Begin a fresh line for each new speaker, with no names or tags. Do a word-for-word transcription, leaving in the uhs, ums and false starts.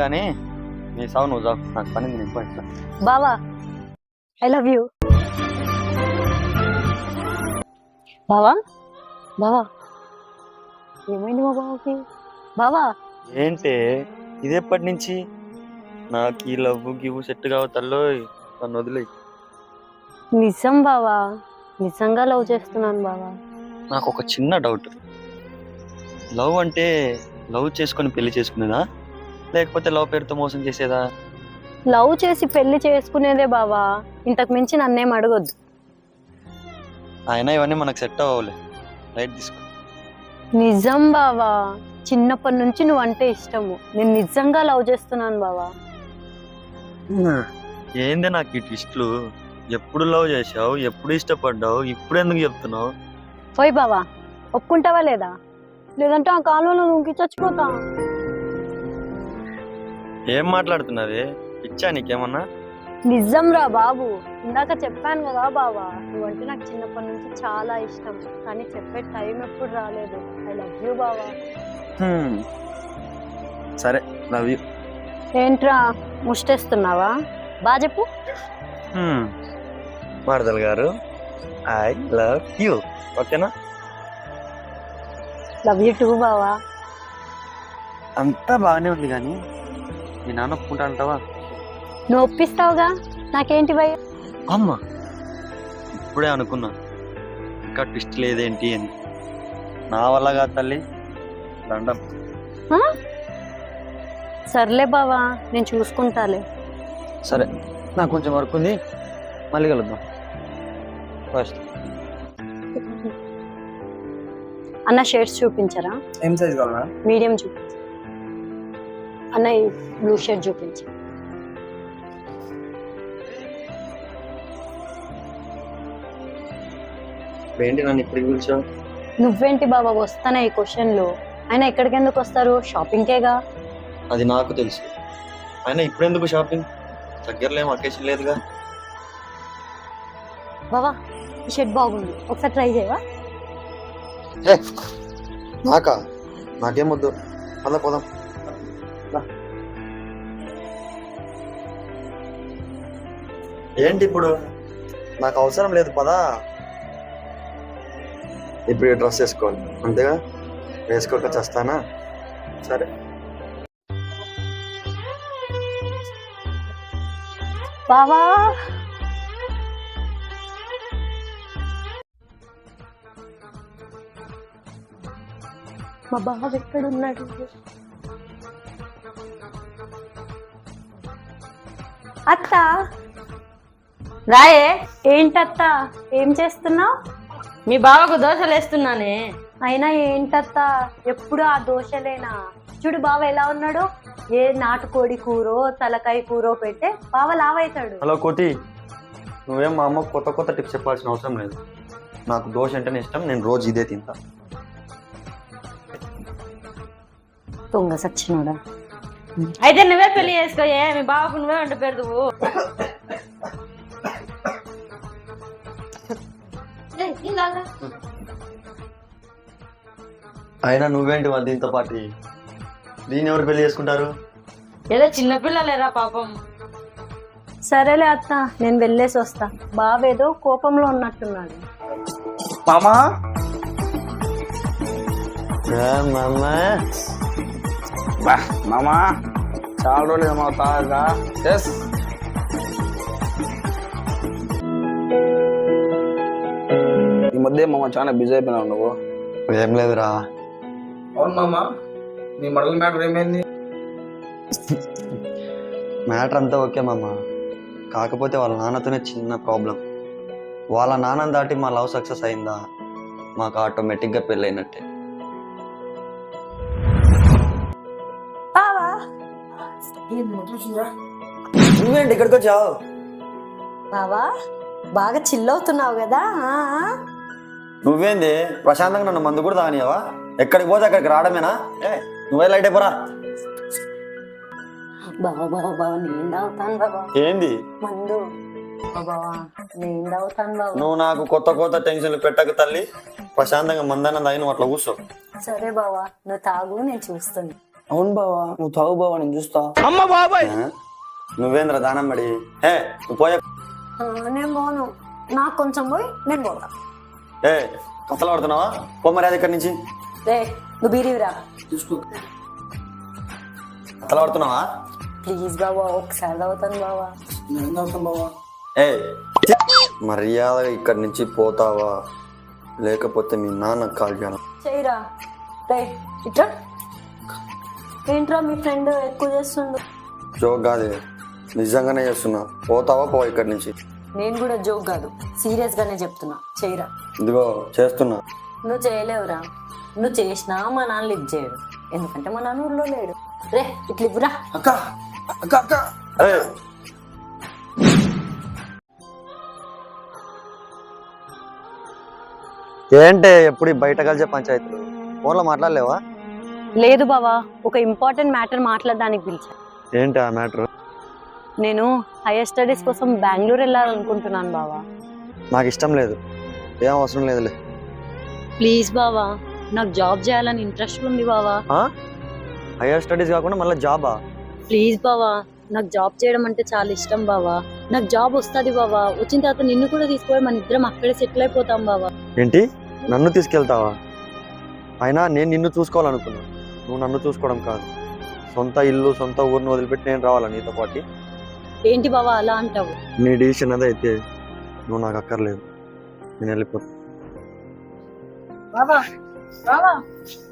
కానీ నీ సావు నువ్వు చావు, నాకు పని నీకు ఇట్లా.
బావా ఐ లవ్ యూ. బావా బావా ఏమైంది మా బావకి? బావా
ఏంటి ఇది ఎప్పటి నుంచి? నాకు ఈ లవ్ గివ్ సెట్ కావు తల్లో, నన్ను వదిలే.
నిజం బావా, నిజంగా లవ్ చేస్తున్నాను బావా.
నాకు ఒక చిన్న డౌట్, లవ్ అంటే లవ్ చేసుకొని పెళ్లి చేసుకునేదా, లేకపోతే లవ్ పేరుతో మోసం చేసేదా?
లవ్ చేసి పెళ్లి చేసుకునేదే బావా, ఇంతకు మించి నన్నేం అడగొద్దు.
అయినా ఇవన్నీ మనకు సెట్ అవ్వలే, రైట్ తీసుకో.
నిజం బావా, చిన్నప్పటి నుంచి నువ్వు అంటే ఇష్టము, నేను నిజంగా లవ్ చేస్తున్నాను బావా.
ఏందే నాకు ఈ ట్విస్ట్లు? ఎప్పుడు లవ్ చేసావు, ఎప్పుడు ఇష్టపడ్డావు, ఇప్పుడు ఎందుకు చెప్తున్నావు?
పోయి బావా, ఒప్పుకుంటావా లేదా? లేదంటే ఆ కాలంలో నువ్వు చచ్చిపోతా.
ఏం మాట్లాడుతున్నావే, పిచ్చా నీకేమన్నా?
నిజం రా బాబు, ఇందాక చెప్పాను కదా బావా, నువ్వంటే నాకు చిన్నప్పటి నుంచి చాలా ఇష్టం, కానీ చెప్పే టైం ఎప్పుడు రాలేదు. ఐ లవ్ యూ బావా.
సరే, లవ్ యూ.
ఏంట్రా ముష్టేస్తున్నావా? బా చెప్పు.
మరదల్ గారు, ఐ లవ్ యూ, ఓకేనా?
లవ్ యూ టూ బావా.
అంతా బాగానే ఉంది కానీ మీ నాన్న ఒప్పుకుంటా అంటావా?
నువ్వు ఒప్పిస్తావుగా, నాకేంటి భయ?
అమ్మా, ఇప్పుడే అనుకున్నా ఇంకా ట్విస్ట్ లేదేంటి అని. నా వల్ల కాదు తల్లి, దండం.
సర్లే బావా, నేను చూసుకుంటాలే.
సరే, నాకు కొంచెం వర్క్ ఉంది, మళ్ళీ కలుద్దాం. ఫస్ట్
అన్న షర్ట్స్ చూపించరా?
ఏం సైజ్ కావాలా?
మీడియం చూపించు. అన్న ఈ బ్లూ షర్ట్ చూపించు.
ఏంటి నన్ను ఇప్పటికి పిలిచావు?
నువ్వేంటి బాబా వస్తానా ఈ క్వశ్చన్లు? ఆయన ఎక్కడికి ఎందుకు వస్తారు? షాపింగ్కేగా.
అది నాకు తెలుసు, అయినా ఇప్పుడు ఎందుకు షాపింగ్? దగ్గరలో ఏం అకేషన్ లేదుగా.
బాబా ఈ షర్ట్ బాగుంది, ఒకసారి ట్రై చేయవా?
నాకా? నాకేం వద్దు, అలా పోదాం. ఏంటి ఇప్పుడు? నాకు అవసరం లేదు, పదా. ఇప్పుడు ఈ డ్రెస్ వేసుకోవాలి అంతేగా, వేసుకోక చేస్తానా? సరే.
బావా మా బావ ఎక్కడున్నాడు? అత్త
రాయే.
ఏంటత్త, ఏం చేస్తున్నావు?
మీ బావకు దోశలు వేస్తున్నానే.
అయినా ఏంటత్త ఎప్పుడు ఆ దోశలేనా? చూడు బావ ఎలా ఉన్నాడు, ఏ నాటుకోడి కూరో తలకాయ కూరో పెట్టే బావ లావైతాడు.
హలో కోటి, నువ్వేం మా అమ్మకు కొత్త కొత్త టిప్స్ చెప్పాల్సిన అవసరం లేదు. నాకు దోశ అంటేనే ఇష్టం, నేను రోజు ఇదే తింటా.
దొంగ సచ్చినోడా.
అయితే నువ్వే పెళ్లి చేసుకోయే, మీ బావకు నువ్వే వంట పెడదువు.
అయినా నువ్వేంటి మరి దీంతో పాటు? దీన్ని ఎవరు పెళ్లి చేసుకుంటారు?
ఏదో చిన్నపిల్లలేరా పాపం.
సరేలే అత్త, నేను వెళ్ళేసి వస్తా. బావేదో కోపంలో ఉన్నట్టున్నాడు.
మామా మామా
మామా చాలా రోజులు ఏమవుతా? ఎస్ ఈ మధ్య మామ చాలా బిజీ అయిపోయినావు నువ్వు.
ఏం లేదురా.
అవును మామా, నీ మడల మ్యాటర్ ఏమైంది?
మ్యాటర్ అంతా ఓకే మామ, కాకపోతే వాళ్ళ నాన్నతోనే చిన్న ప్రాబ్లం. వాళ్ళ నాన్నని దాటి మా లవ్ సక్సెస్ అయిందా, మాకు ఆటోమేటిక్గా పెళ్ళైనట్టే. నువ్వేంటి ఇక్కడికి వచ్చావు?
బావా బాగా చిల్లవుతున్నావు కదా.
నువ్వేంది ప్రశాంతంగా నన్ను మందు కూడా తాగనియావా? ఎక్కడికి పోతే అక్కడికి రావడమేనా? ఏ నువ్వే లైట్ అయిపోరా.
బావా బావా బావా నేను తాగుతాను బావా.
ఏంది
మందు? బావా నేను తాగుతాను బావా.
నువ్వు నాకు కొత్త కొత్త టెన్షన్లు పెట్టక తల్లి, ప్రశాంతంగా మందన్న తాగి నువ్వు అట్లా కూర్చో.
సరే బావా, నువ్వు తాగు, నేను చూస్తాను.
అవును బావా, నువ్వు తాగు బావా, నేను చూస్తా.
ఆ? నువ్వేంద్ర దానం పడి ఏ నువ్వు పోయే
ఆ, నేను పోను. నాకు కొంచెం పోయి నేను పోతా.
ఏ కథలు పడుతున్నావా? పొమ్మరాది ఇక్కడి నుంచి.
రే నువ్వు బీరివిరా.
చూసుకో.
కథలు పడుతున్నావా?
ప్లీజ్ బావా, ఒకసారి తాగుతాను బావా.
నేను తాగుతాను బావా.
ఏ మర్యాదగా ఇక్కడి నుంచి పోతావా లేకపోతే మీ నాన్న కాల్ చేయను.
చేయరా. రే ఇట్లా ఏంట్రా మీ ఫ్రెండ్ ఎక్కువ చేస్తుండు.
జోక్ కాదే, నిజంగానే చేస్తున్నా. పోతావా పో ఇక్కడి నుంచి.
నేను కూడా జోక్ కాదు, సీరియస్ గానే చెప్తున్నా. చేయరా.
ఇదిగో చేస్తున్నా.
నువ్వు చేయలేవురా. నువ్వు చేసినా మా నాన్న లిఫ్ట్ చేయడు, ఎందుకంటే మా నాన్న ఊర్లో లేడు. రే ఇట్లా ఇవ్వరా.
అక్క అక్క అక్క
ఏ ఏంటే ఎప్పుడు ఈ బయట కలిసే పంచాయతీలు? ఫోన్లో మాట్లాడలేవా?
లేదు బావా, ఒక ఇంపార్టెంట్ మ్యాటర్ మాట్లాడడానికి పిలిచా.
ఏంటి ఆ మ్యాటర్?
నేను హైయర్ స్టడీస్ కోసం బెంగళూరు వెళ్ళాలనుకుంటున్నాను బావా.
నాకు ఇష్టం లేదు. ఏం అవసరం లేదులే.
ప్లీజ్ బావా, నాకు జాబ్ చేయాలని ఇంట్రెస్ట్ ఉంది బావా.
హైయర్ స్టడీస్ కాకుండా మళ్ళీ జాబా?
ప్లీజ్ బావా, నాకు జాబ్ చేయడం అంటే చాలా ఇష్టం బావా. నాకు జాబ్ వస్తుంది బావా. వచ్చిన తర్వాత నిన్ను కూడా తీసుకుపోయి మన ఇద్దరం అక్కడే సెటిల్ అయిపోతాం బావా.
ఏంటి నన్ను తీసుకెళ్తావా? అయినా నేను నిన్ను చూసుకోవాలనుకున్నా, నువ్వు నన్ను చూసుకోవడం కాదు. సొంత ఇల్లు సొంత ఊరిని వదిలిపెట్టి నేను రావాలా నీతో పాటు?
ఏంటి బావా అలా అంటావు?
నీ డిసిషన్ అదైతే నువ్వు నాకు అక్కర్లేదు, నేను వెళ్ళిపోతా.
బాబా బాబా